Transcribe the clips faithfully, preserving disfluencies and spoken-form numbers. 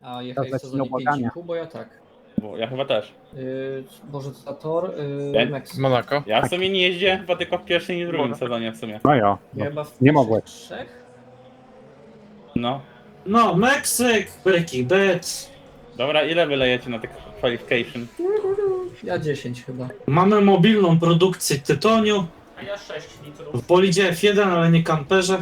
A jechałeś w leci sezonie nieubłagania. pięć i pół, bo ja tak. Bo ja chyba też. Yy, Boże, co za tor? Ja- Yy, Meksyk. Monaco. Ja w sumie nie jeździłem chyba tylko w pierwszym i drugim sezonie w sumie. No jo, no. Ja chyba w nie pierwszych mogłeś. trzech? No. No, Meksyk, Breaking Bad. Dobra, ile wylejecie na tych qualification? Ja dziesięć chyba. Mamy mobilną produkcję tytoniu. A ja sześć litrów. W bolidzie F jeden, ale nie kamperze.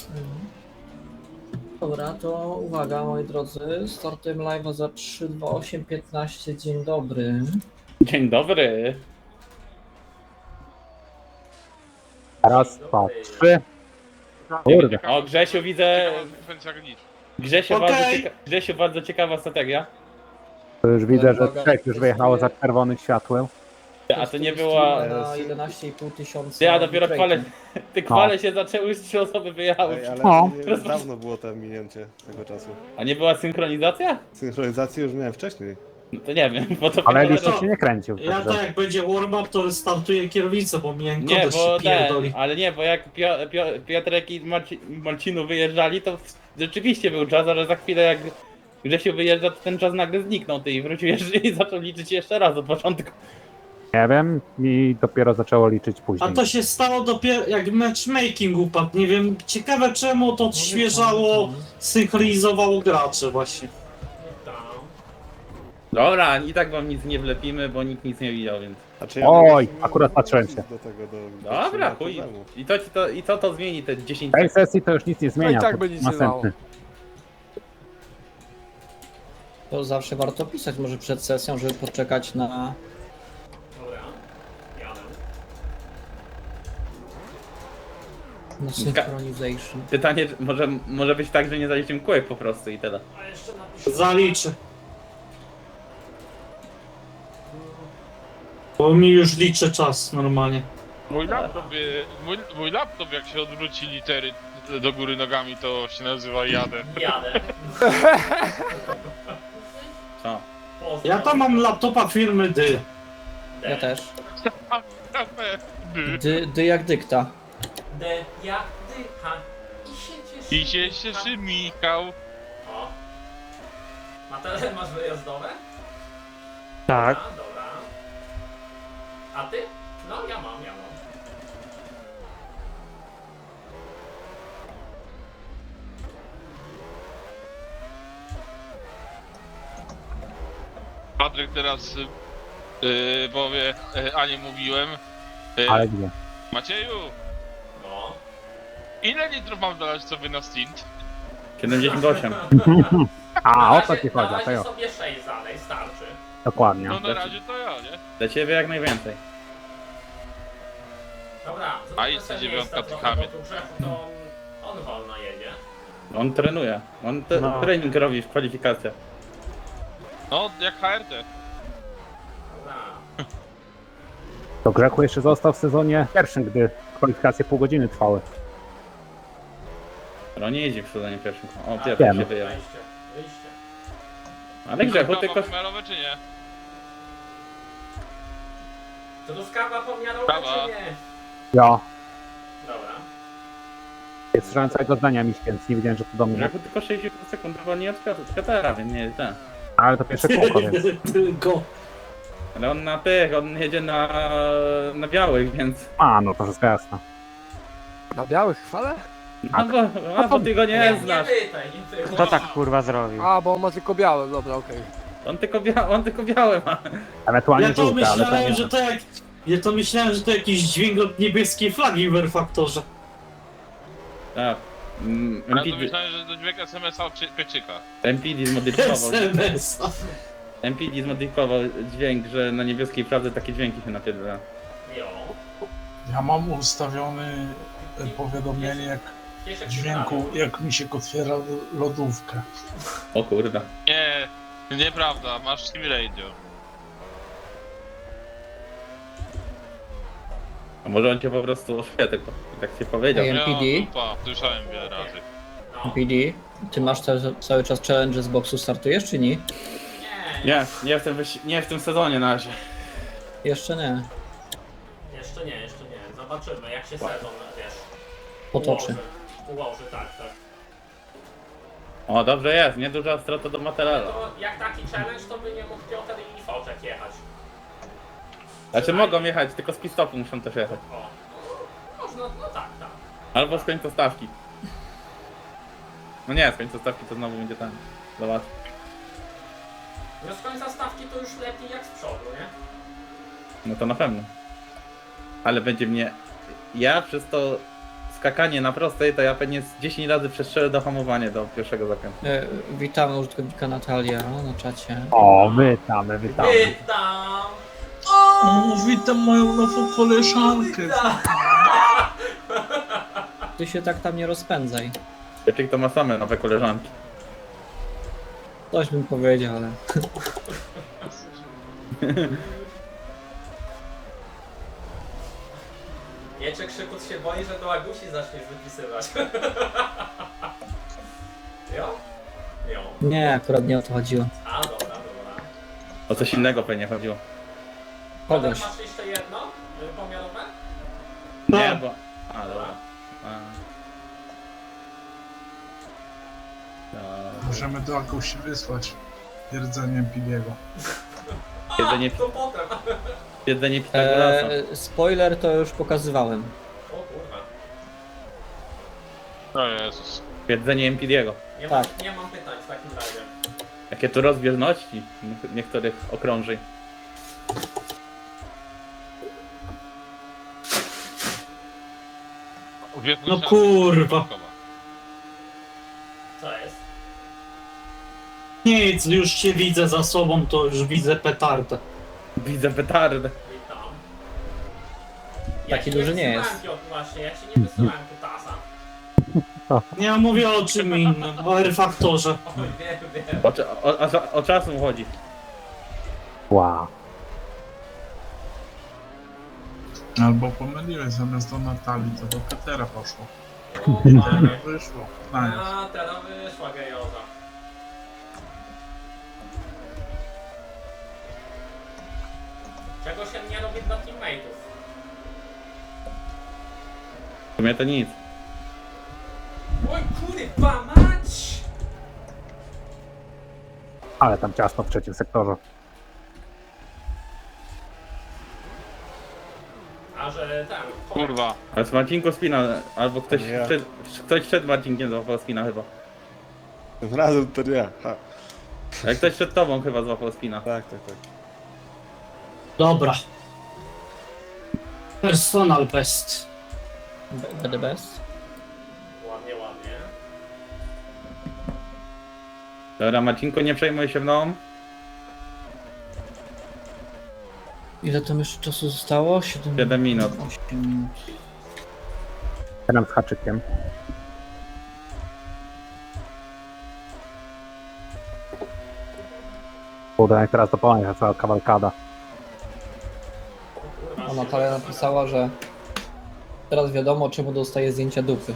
Dobra, to uwaga moi drodzy, startem live'a za trzy, dwa, osiem, piętnaście, dzień dobry. Dzień dobry. Raz, dwa, trzy. Kurde. O, Grzesiu widzę... Frekwencja nic. Grzesiu, Okej. bardzo, cieka... Grzesiu bardzo ciekawa strategia. To już widzę, że Uwaga, trzech już wyjechało za czerwonym światłem. A to nie była... Na jedenaście i pół tysiąca. Ja dopiero bitrate'u. kwale... Te kwale się zaczęły, już trzy osoby wyjechały. Ej, ale O. nie, dawno było to minięcie tego czasu. A nie była synchronizacja? Synchronizację już miałem wcześniej. No to nie wiem, bo to... Ale chyba- licznik się nie kręcił. Ja Także. to jak będzie warm-up, to restartuję kierownicę, bo miałem Nie, kogoś bo się ten, pierdoli. ale nie, bo jak Pio, Pio, Piotrek i Marci, Marcinu wyjeżdżali, to rzeczywiście był czas, ale za chwilę jak Grzesiu wyjeżdża, to ten czas nagle zniknął, ty i wrócił jeszcze i zaczął liczyć jeszcze raz od początku. Nie wiem, mi dopiero zaczęło liczyć A później. to się stało dopiero jak matchmaking upadł. Nie wiem, ciekawe czemu to odświeżało, synchronizowało gracze właśnie. Tam. Dobra, i tak wam nic nie wlepimy, bo nikt nic nie widział, więc... Znaczy, Oj, mam- akurat patrzyłem się. Do tego, do, Dobra, do chuj. problemu. I, to, to, I co to zmieni te dziesięć W tej sekund? sesji to już nic nie zmienia. No i tak to by nic nie następny. To zawsze warto pisać może przed sesją, żeby poczekać na... Dobra. Jadę. na synchronization. Pytanie, czy może, może być tak, że nie zaliczymy kółek po prostu i tyle. A jeszcze napiszę. Zaliczę. Bo mi już liczy czas normalnie. Mój laptop, y, mój, mój laptop jak się odwróci litery do góry nogami, to się nazywa jadę. Jadę. Co? Pozdro. Ja tam mam laptopa firmy Dy. Ja też. By. Dy, dy jak dykta. D jak dycha. I się cieszy. I się cieszy Michał. O. Matele, masz wyjazdowe? Tak. Dobra, dobra. A ty? No ja mam, ja mam. Patryk teraz y, powie, y, a nie mówiłem. Y, Ale gdzie? Macieju, No. ile litrów mam dolać sobie na stint? siedemdziesiąt osiem. A, Na o co razie- ci chodzi, Na to razie jo. sobie sześć zalej, starczy. Dokładnie. No na razie to ja, nie? Dla ciebie jak najwięcej. Dobra. A to i co sobie dziewiątka jest tykamy. trochę, bo tu Grzechu to on, on wolno jedzie. On trenuje. On te, No. trening robi w kwalifikacjach. No, jak H R T. Dobra. To Grzechu jeszcze został w sezonie pierwszym, gdy kwalifikacje pół godziny trwały. Ale on nie jeździ w sezonie pierwszym. O, pierwszy Wiem. się wyjechał. Wejście, wyjście. Ale Grzechu Prawo tylko... pomiarowe czy nie? To tu skarba pomiarowa Prawa. czy nie? Ja. Dobra. Nie słyszałem całego zdania mi, więc nie wiedziałem, że to do mnie. Grzechu tylko sześćdziesiąt sekund wolniej od Piotr- od Piotra, więc nie jest ten. Ale to pierwsze kółko, więc. Tylko. Ale on na tych, on jedzie na, na białych, więc... A, no to wszystko jasne. Na białych chwale? A bo, a bo ty go nie Nie, nie znasz. pytaj, nie pytaj. Kto tak kurwa zrobił? A, bo on ma tylko białe, dobra, okej. On tylko, bia on tylko białe ma. Ewentualnie Ja to żółte, ale to myślałem, nie. że to jak... Ja to myślałem, że to jakiś dźwięk od niebieskiej flagi w R-Faktorze. Tak. Mm, Ja to M P D, myślałem, że to dźwięk S M S-a od Pie- Pieczyka. M P D zmodyfikował, S M S. M P D zmodyfikował dźwięk, że na niebieskiej prawdzie takie dźwięki się napierdala. Jo. Ja mam ustawiony e, powiadomienie jak Kieszek dźwięku, prawy. jak mi się otwiera lodówkę. O kurda. Nie, nieprawda, masz Team Radio. A może on cię po prostu oświetlił, tak się powiedział. Ej, M P D? Ja, dupa, słyszałem wiele razy. No. P D, ty masz cały, cały czas challenge z boksu, startujesz czy nie? Nie, Nie, nie w tym, wyś- nie w tym sezonie na razie. Jeszcze nie. jeszcze nie, jeszcze nie. Zobaczymy jak się sezon, wiesz, Potoczy. ułoży. Ułoży, tak, tak. O, dobrze jest, nieduża strata do Ale materiału. to jak taki challenge, to by nie mógł Piotr i Foczek jechać. Znaczy mogą jechać, tylko z pistopu muszą też jechać. O, no, można, no tak, tak. Albo z końca stawki. No nie, z końca stawki to znowu będzie ten. Zobacz. No z końca stawki to już lepiej jak z przodu, nie? No to na pewno. Ale będzie mnie... Ja przez to skakanie na prostej, to ja pewnie z dziesięć razy przestrzelę do hamowania do pierwszego zakrętu. E, witamy użytkownika Natalia na czacie. O, witamy, witamy. Witam! O, witam moją nową koleżankę. Ty się tak tam nie rozpędzaj. Czyli to ma same nowe koleżanki. Coś bym powiedział, ale... Wiecie, Krzykus się boi, że do Agusi zaczniesz wypisywać. Jo? Jo. Nie, akurat nie o to chodziło. A, dobra, dobra. O coś innego pewnie chodziło. Kogoś. Masz jeszcze jedno? y, Pomiarowe? Nie, bo... A, dobra. A. No. Możemy do Akusi wysłać jedzeniem Pidiego. Jedzenie, To potem. jedzenie Pitagorasa. E, spoiler to już pokazywałem. O kurwa. O Jezus. Jedzenie M P D'ego. Nie, Tak. mam, nie mam pytań w takim razie. Jakie tu rozbieżności niektórych okrążeń. No kurwa. Co jest? Nic, już się widzę za sobą, to już widzę petardę. Widzę petardę. Witam. Taki ci duży nie wysyłałem, jest. Piotr, właśnie, ja ci nie wysyłałem kutasa. Ja mówię o czym innym, o R-faktorze. O, wiem, wiem. O, cza- o, o, o czasu mu chodzi. Wow. Albo pomyliłeś, zamiast do Natalii, to do Petera poszło. O, panie. Wyszło. Nice. A, teraz wyszła gejoza. Czego się nie robi dla teammateów? W sumie to nic. Oj kurwa mać! Ale tam ciasno w trzecim sektorze. A że ten... Kurwa. Ale z Marcinku spina, albo ktoś, Ja. przed, ktoś przed Marcinkiem złapał spina chyba. Tym razem to nie ja. Ha. Jak ktoś przed tobą chyba złapał spina. Tak, tak, tak. Dobra. Personal best. B- The best. Ładnie, ładnie. Dobra, Marcinku, nie przejmuj się mną. Ile tam jeszcze czasu zostało? siedem siedem minut. osiem minut. Teraz z haczykiem. Kurde, jak teraz to pamiętam, cała kawalkada. A Natalia napisała, że teraz wiadomo, czemu dostaje zdjęcia dupy.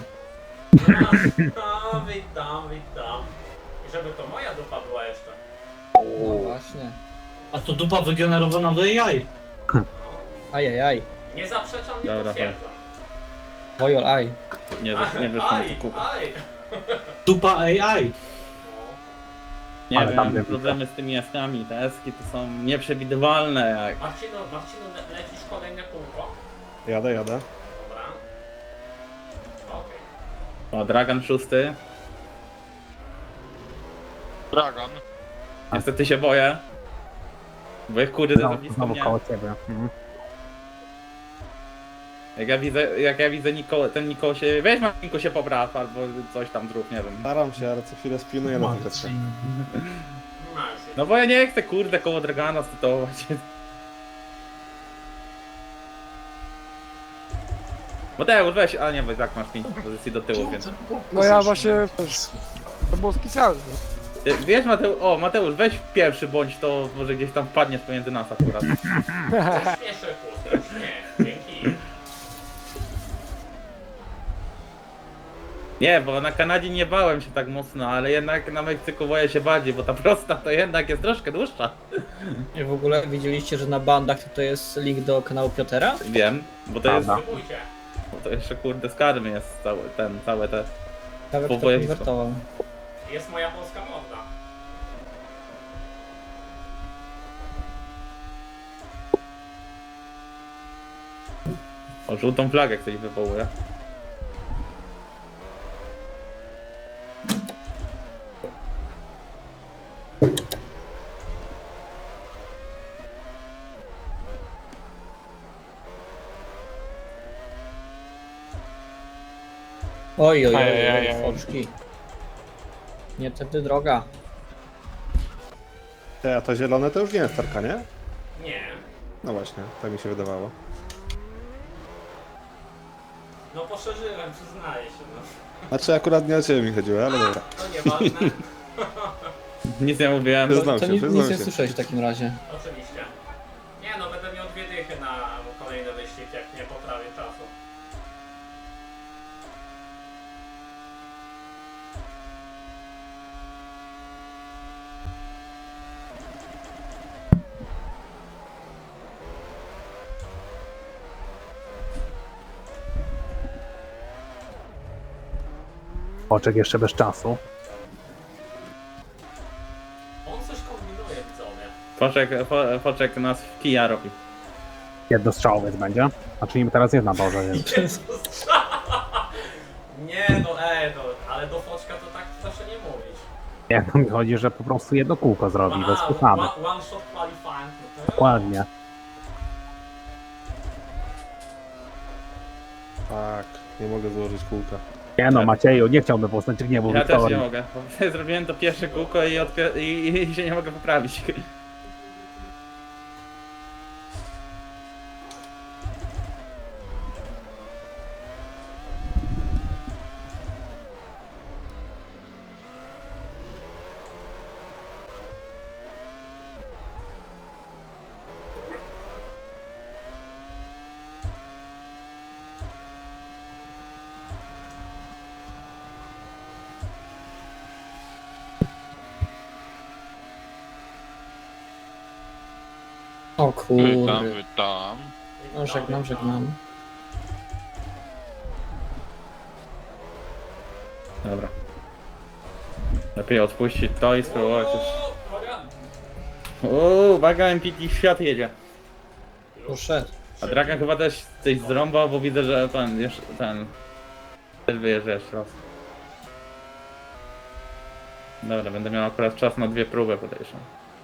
A, witam, witam. I żeby to moja dupa była jeszcze. No właśnie. A to dupa wygenerowana w A I. Ajajaj. Nie zaprzeczam, nie Dobra, potwierdzam. Wojol aj. Nie, nie wyszło mi Aj, to kup. aj. Dupa A I. Nie Ale tam wiem, nie problemy z tymi jaskami, te eski to są nieprzewidywalne jak... Marcino, Marcino, le- lecisz kolejne kółko? Jadę, jadę. Dobra. Okej. O, Dragan szósty. Dragan. Niestety się boję. Bo jak kurde za Znowu, blisko znowu mnie. koło ciebie. Mhm. Jak ja widzę, jak ja widzę Niko, ten Niko się... Weź Marcinku się popraw, albo coś tam zrób, nie wiem. Staram się, ale co chwilę spinuję na tym Marcin. Marcin. No bo ja nie chcę kurde koło Dragana startować. Mateusz, weź, a nie, bo tak masz pięć pozycji do tyłu, więc... No ja właśnie... To było specjalne. Ty, Wiesz Mateusz, o Mateusz, weź pierwszy bądź, to może gdzieś tam wpadniesz pomiędzy nas akurat. Śmieszę kłótę, nie, dzięki. Nie, bo na Kanadzie nie bałem się tak mocno, ale jednak na Meksyku boję się bardziej, bo ta prosta to jednak jest troszkę dłuższa. I w ogóle widzieliście, że na bandach to jest link do kanału Piotera? Wiem, bo to jest, Prawda. Spróbujcie. bo to jeszcze kurde z karmy jest cały ten, całe te... Ciekawe, Po kto województwo. konwertował. Jest moja polska morda. O, żółtą flagę ktoś wywołuje. Oj, oj, oj, Ajajaj. oj, foczki. Nie tędy droga. Te, a to zielone to już nie jest tarka, nie? Nie. No właśnie, tak mi się wydawało. No poszerzyłem, przyznaję się, no. Znaczy akurat nie o ciebie mi chodziło, ale dobra. To nieważne. Nic nie mówiłem. Przyznam To się, nic, przyznam nic nie się. słyszałeś w takim razie. Oczywiście. Nie no, będę miał dwie dychy na kolejny wyścig, jak nie poprawię czasu. Oczek jeszcze bez czasu. On coś kombinuje, widzowie. Poczek, po, poczek nas w kija robi. Jednostrzałowiec będzie. Znaczy nim teraz jest na torze, więc Nie no, ej, no, ale do foczka to tak proszę nie mówić. jak to mi chodzi, że po prostu jedno kółko zrobi, bez przesady. one, one shot qualifying. No to Dokładnie. Tak, nie mogę złożyć kółka. Nie no, Macieju, nie chciałbym poznać gniewu Ja też nie Wiktorii. mogę. Bo zrobiłem to pierwsze kółko i, odpie- i, i się nie mogę poprawić. O Witam, kurde. witam. No żegnam, żegnam. Dobra. Lepiej odpuścić to i spróbować już. O, uwaga. Uuu, uwaga, M P T świat jedzie. Poszedł. A Dragan chyba też coś zrąbał, bo widzę, że ten, jeszcze, ten... Też wyjeżdża jeszcze raz. Dobra, będę miał akurat czas na dwie próby, podejrzewam.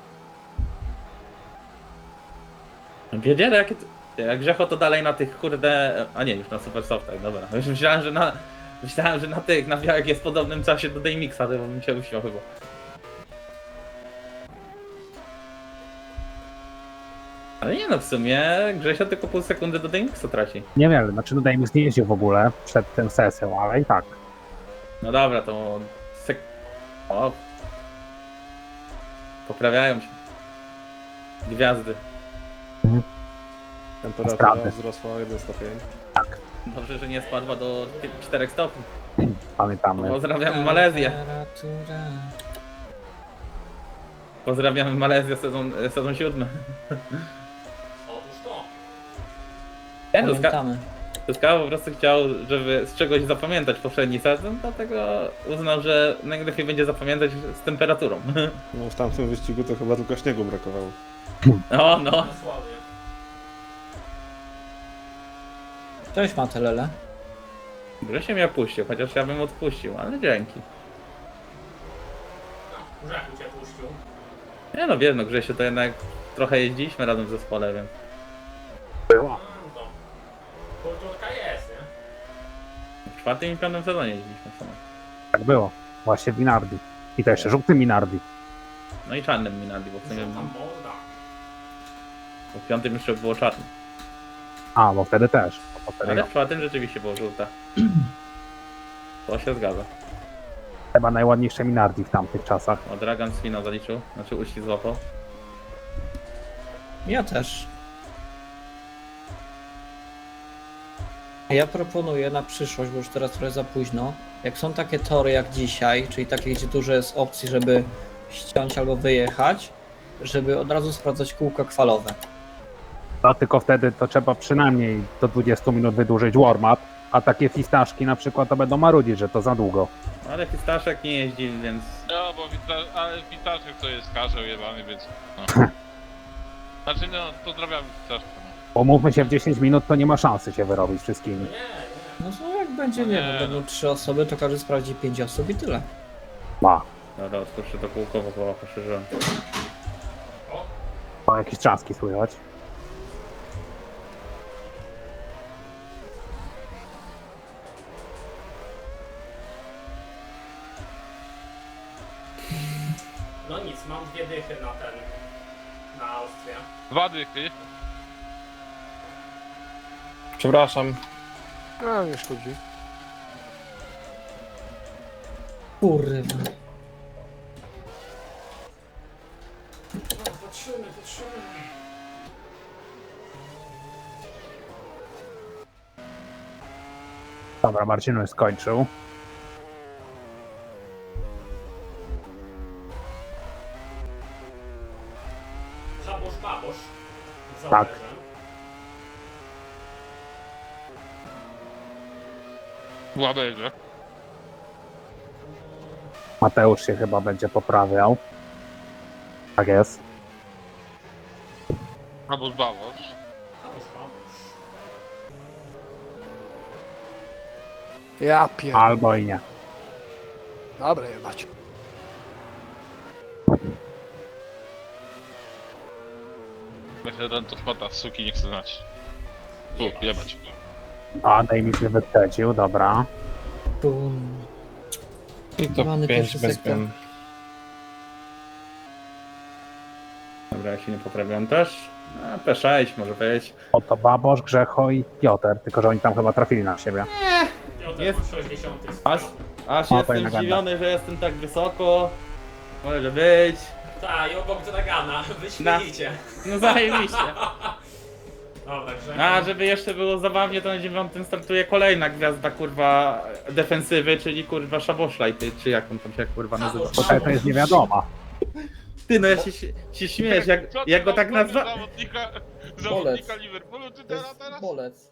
Wiedzieli, jakie... to- Jak Grzecho to dalej na tych kurde... A nie, już na Super Softach, dobra. Już myślałem, że na... Myślałem, że na tych, na białek jest w podobnym czasie do Daymixa, to bym się uśmiał chyba. Ale nie no, w sumie Grzesio tylko pół sekundy do Daymixa traci. Niewiele, znaczy no Dejmix nie jeździł w ogóle przed tą sesją, ale i tak. No dobra, to... Sek... O. Poprawiają się. Gwiazdy. Temperatura Sprawny. wzrosła o jeden stopień. Dobrze, że nie spadła do czterech stopni. Pamiętamy. Pozdrawiamy Malezję. Temperatura. Pozdrawiamy Malezję sezon, sezon siódmy. Otóż to. Nie, to Ska, Pamiętamy. to Ska po prostu chciał, żeby z czegoś zapamiętać poprzedni sezon, dlatego uznał, że najlepiej będzie zapamiętać z temperaturą. No w tamtym wyścigu to chyba tylko śniegu brakowało. O no. Dosłownie. Cześć Matelele. Grzesie mnie opuścił, chociaż ja bym odpuścił, ale dzięki. No, Grzechu cię puścił. Nie no, wiesz, no Grzesiu to jednak trochę jeździliśmy razem w zespole, więc... No to. Kulturka jest, nie? W czwartym i piątym sezonie jeździliśmy w sumie. Tak było. Właśnie w Minardi. I to jeszcze żółty Minardi. No i czarnym Minardi, bo w sumie Co tam morda? bo w piątym jeszcze było czarne. A, bo wtedy też. Bo wtedy Ale w czwartym rzeczywiście było żółte. To się zgadza. chyba najładniejsze Minardi w tamtych czasach. O, Dragan Swina zaliczył, znaczy uścisk złapał. Ja też. Ja proponuję na przyszłość, bo już teraz trochę za późno. Jak są takie tory jak dzisiaj, czyli takie, gdzie dużo jest opcji, żeby ściąć albo wyjechać, żeby od razu sprawdzać kółka kwalowe. No tylko wtedy to trzeba przynajmniej do dwudziestu minut wydłużyć warm-up, a takie fistaszki na przykład to będą marudzić, że to za długo. Ale Fistaszek nie jeździ, więc... No, bo wita- ale Witaszek to jest karzeł jebany, więc... No. Znaczy no, pozdrawiam Witaszka. No. Umówmy się, w dziesięć minut to nie ma szansy się wyrobić wszystkimi. Nie, nie. No co jak będzie, nie Nie, wiem, no. będą trzy osoby, to każdy sprawdzi pięć osób i tyle. Ma. Dobra, otwórzę to kółko, bo połowa poszerzyłem. O, jakieś trzaski słychać. No nic, mam dwie dychy na ten... na Austrię. Dwa dychy. Przepraszam. No, nie szkodzi. Kurwa. Patrzymy, patrzymy. Dobra, Marcinu już skończył. Żabosz, babosz. Tak. W łaberze. Mateusz się chyba będzie poprawiał. Tak jest. Albo zbawosz. Żabosz, babosz. Ja pier... Albo i nie. Dobra, jebać. Myślę, że to spota, suki nie chcę znać. Tu, jebać. A, Dejmis mnie wyprzedził, dobra. Bum. I to Rany pięć pierwszy bez sektor. zmian. Dobra, ja się nie poprawiam też. A, P sześć może być. Oto Babosz, Grzecho i Piotr, tylko że oni tam chyba trafili na siebie. Piotr Jest. ma sześćdziesiąt. Aż, aż O, jestem fajna ganda. zdziwiony, że jestem tak wysoko. Może być. Tak, i obok Dragana. Wyśmienicie. No zajebiście. Dobra, Grzegorz. A, żeby jeszcze było zabawnie, to na dziewiątym startuje kolejna gwiazda, kurwa, defensywy, czyli kurwa Szaboszlaj, ty, czy jak on tam się kurwa nazywa. Szabosz. Tutaj to jest nie wiadoma. Ty, no ja się, się śmiejesz, jak, Co ty jak go tam tak zrobił nazwa... Zawodnika, Bolec. zawodnika Liverpoolu, czy teraz, To teraz? jest bolec.